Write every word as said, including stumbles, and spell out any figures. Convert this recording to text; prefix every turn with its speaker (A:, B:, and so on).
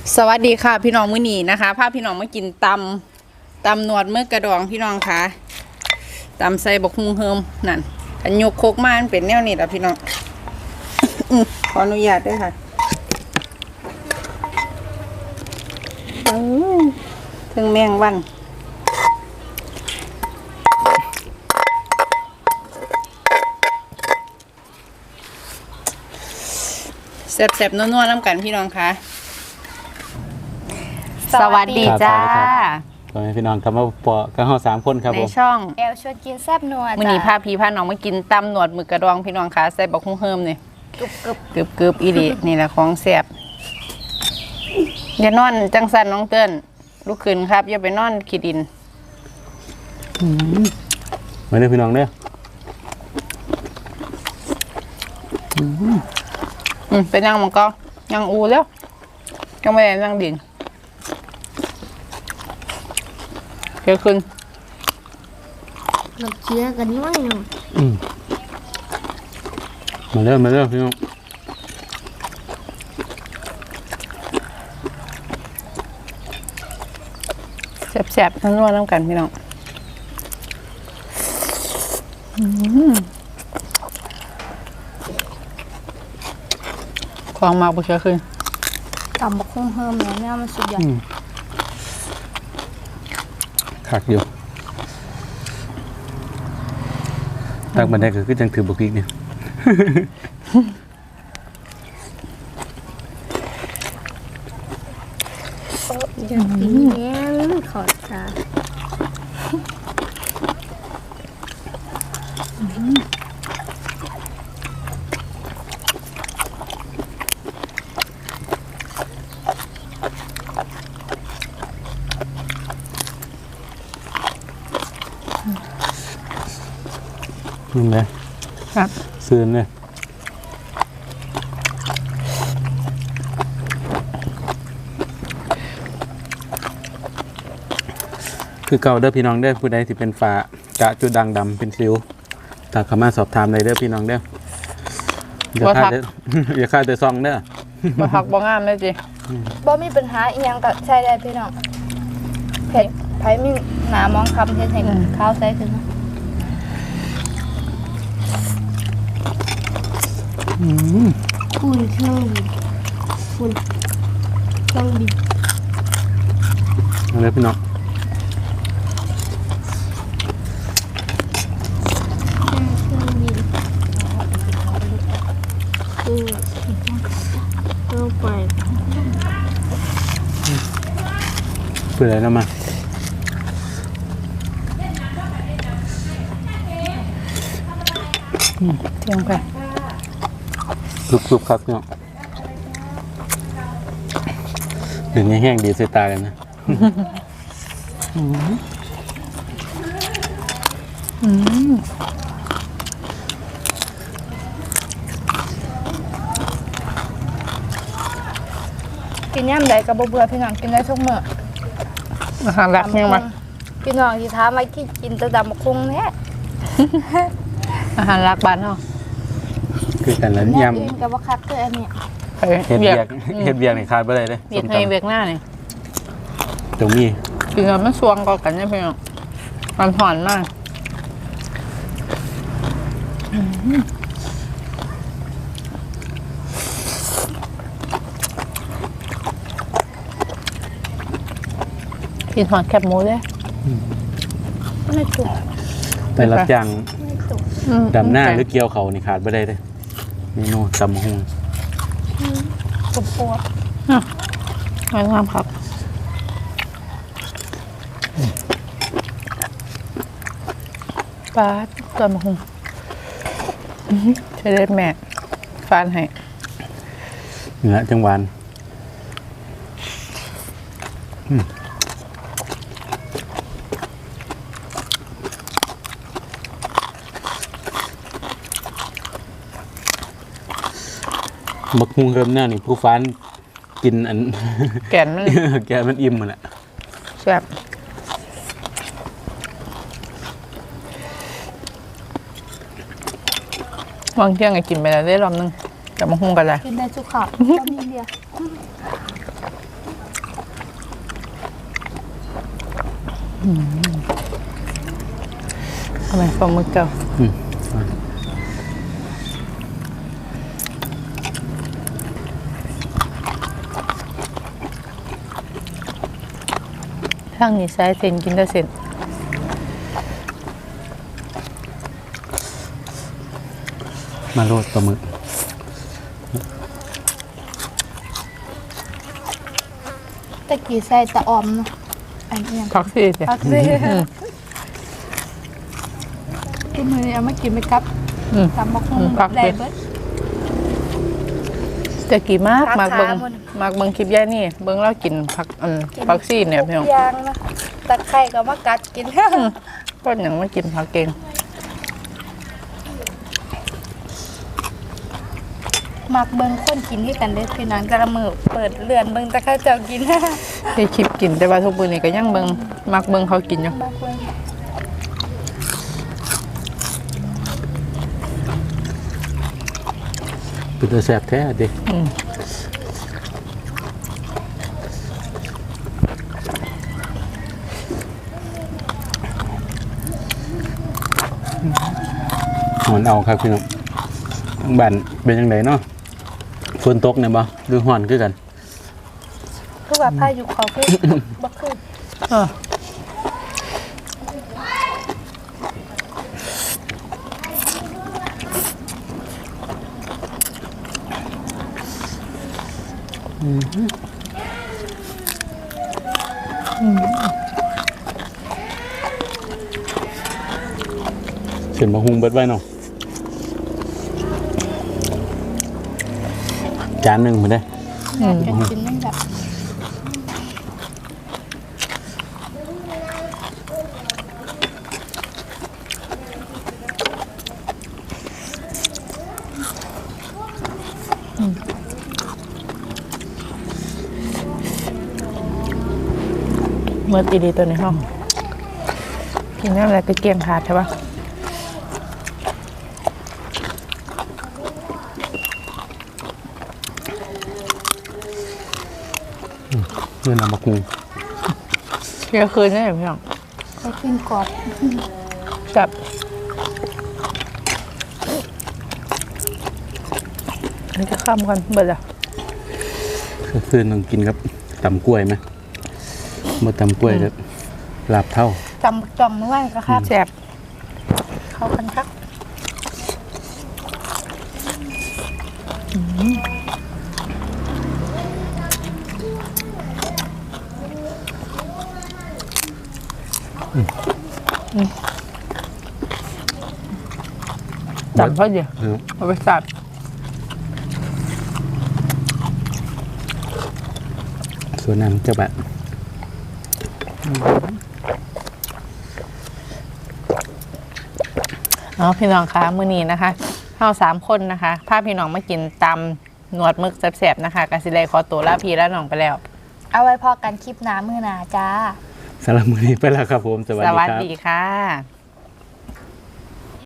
A: สวัสดีค่ะพี่น้องมื้อนี้นะคะพาพี่น้องมากินตำตำหนวดเมื่อกระดองพี่น้องค่ะตำใส่บกฮุงเฮิมนั่นอันยกโคกมาเป็นแนวนี้แหละพี่น้อง ขออนุญาตด้วยค่ะถึงแมงวันแซ่บๆนัวๆน้ำกันพี่น้องค่ะสวัสดีจ้า
B: ตอนนี้พี่น้องกลับมาปอกันห้าสามคนครับ
A: ในช่อง
C: แอลชวนกินแซ่บนัวจ้ะ
A: มื้อนี้พาพี่พาน้องมากินตำหนวดหมึกกระดองพี่น้องค่ะใส่บักฮุ้งเฮิมนี่กึบกึบกึบกึบอีหลีนี่แหละของแซ่บอย่านอนจังสันน้องเติ้นลุกขึ้นครับอย่าไปนอนขี้ดิน
B: มาเด้อพี่น้องเด้อ
A: อืมเป็นยังมังก็ยังอูแล้วยังไม่ได้นั่งดินเกี่ยวขึ้น
C: น้ำเชื้อกันน้อยหนึ่ง
B: มาเด้อมาเด้อพี่น้อง
A: แซ่บๆนัวๆน้ำกันพี่น้องของมาบุเชียขึ้น
C: ตำบักหุ่งเฮิมเนี่ยเนี่ยมันสุดยอด
B: ขักอยู่ตักบันไดก็คือจังถือบุกอีกเนี่ย
C: อย่างนี้เนี่ยขอจ้า
B: นี่เลย
A: ครับ
B: ซื้อเนี่ยคือเก่าเด้อพี่น้องเด้อผู้ใดที่เป็นฝากะจุดด่างดำเป็นซิวถ้าเข้ามาสอบถามเลยเด้อพี่น้องเด้ออย่าฆ่าเด้ออย่าฆ่าเด้อซองเด้อ
A: บ่พักบ่งามเลยจิ
C: บ่มีปัญหาอีหยังก็ใช้ได้พี่น้องเผ็ดไผมีหนามองคำเฮ็ดให้ข้าวใส่ขึ้นคุณเครื่องบินคุณเครื่องบิน
B: อะไรพี่น้อง
C: ไป
B: เพื่ออะไรนะมา
A: เที่ยงไป
B: กรุบๆครับเนาะดึงแห้งๆดีใส่ตาเลยนะ
C: กินย่ำใดกับเบื่อพี่น้องกินได้ทุกมื้อ
A: อาหารหลักยังมา
C: พี่น้องที่ถามว่ากินกินแต่ดำบักหุ่งแท้
A: อาหารหลักบ้านเฮา
B: คือกันแล้วย
C: ำกับว่าคักคืออันนี้
B: เฮ็ดเบียกเฮ็ดเบียกนี่ขาดบ่ได้เด้
A: เบียกให้เบียกหน้านี่
B: ตรงนี้
A: กินแล้วมันสวงก็กันเนี่ยพี่น้องมันหอนมากกินหอนแคบหมูเลย
C: ไม่ถูก
B: ไปรับจ้างดำหน้าหรือเกี่ยวเขานี่ขาดบ่ได้เด้เมนูตำหุ่ง
C: ปวดปวด
A: งานงามครับปลาตัวมะฮุงใช้เล็บแม่ฟานให้
B: เนื้อจังหวานบักฮุงเริ่มหน้านี่ผู้ฟ้านกินอัน
A: แกนมัน
B: แกมันอิ่มมันแหละ
A: แซ่บวางเที่ยงไงกินไปแล้วได้รอบนึงแต่มาหุ้งกันเลย
C: กินได้ทุกข้าวก็มีเดียว
A: เอาไหมปลาหมึกเจ้า
B: อืม
A: ทางนี้ใช้เส้นกินได้เส้น
B: มาโรดปลาหมึก
C: ตะกี้ใส่ตะออมเนาะอันเอียง
A: พักสิจ้ะ
C: พักเลยกินมื้อนี้เอามากินไปกับ
A: อืม
C: ตำบักหุ่ง
A: อืมพัก
C: ได้
A: สิ
C: เบิด
A: จะกี่มาก
C: พัก
A: มากเบิง
C: ขาหมด
A: มากเบิงคลิปย่านี่เบิงเรากินผักอันผักซีเนี่ยพี่น้อง
C: ทุกอย่างนะตะไคร้ก็มากัดกิน
A: ต้นอย่างไม่กินผักเก่ง
C: มักเบิ่งคนกินที่กันเด้อพี่น้องแต่ละมื้อเปิดเรือนเบิ่งแต่เขาเจ้ากิน
A: ได้คลิปกินแต่ว่าทุกมื้อนี้ก็ยังเบิงมักเบิงเขากินอยู่
C: มักเบิ่ง
B: เป็นตัวแสบแท้ดิ
A: อืม
B: หอนเอาครับพี่น้องทางบ้านเป็นยังไงเนาะฝนตกเนี่ยบ่หรือหอนคือกัน
C: คือว่าพายุเขาคือ บ่คือ
A: เออ
B: เส้นบะฮุงเบิดไว้เนาะจานหนึ่งมาได้
C: อยากจะกินนั่นแบบ
A: เมื่อตีดีตัวในห้องกินน้ำอะไรก็เกลี้ยงขาดใช่ปะ
B: เพื่อนเอามาคุง
A: เที่ยงคืนนี่พี่น้อง
C: ไปกินกรอบ
A: กับอันนี้จะข้ามกันเบิดละ
B: เพื่อนต้องกินครับตำกล้วยไหมมาตำกล้วยแล้วลาบเท่า
C: จำบักจ่อมเมื่อวานก็ครับ
A: แซ่บ
C: เข้ากันครับ
A: จับเพราะเดียว
B: เออ
A: เอาไปสับ
B: ส่วนนั้นเจ้าแบบ
A: เอาพี่น้องคะมื้อนี้นะคะเฮาสามคนนะคะพาพี่น้องมากินตำหนวดหมึกแซ่บๆนะคะกสิเลยขอตัวลาพี่และน้องไปแล้ว
C: เอาไว้พอกันคลิปหน้ามื้อหน้าจ้า
B: สำหรับมือนี้ไปแล้วครับผม สวัส
A: ส
B: ดี
A: วัส
B: ครับ
A: ดีค่ะ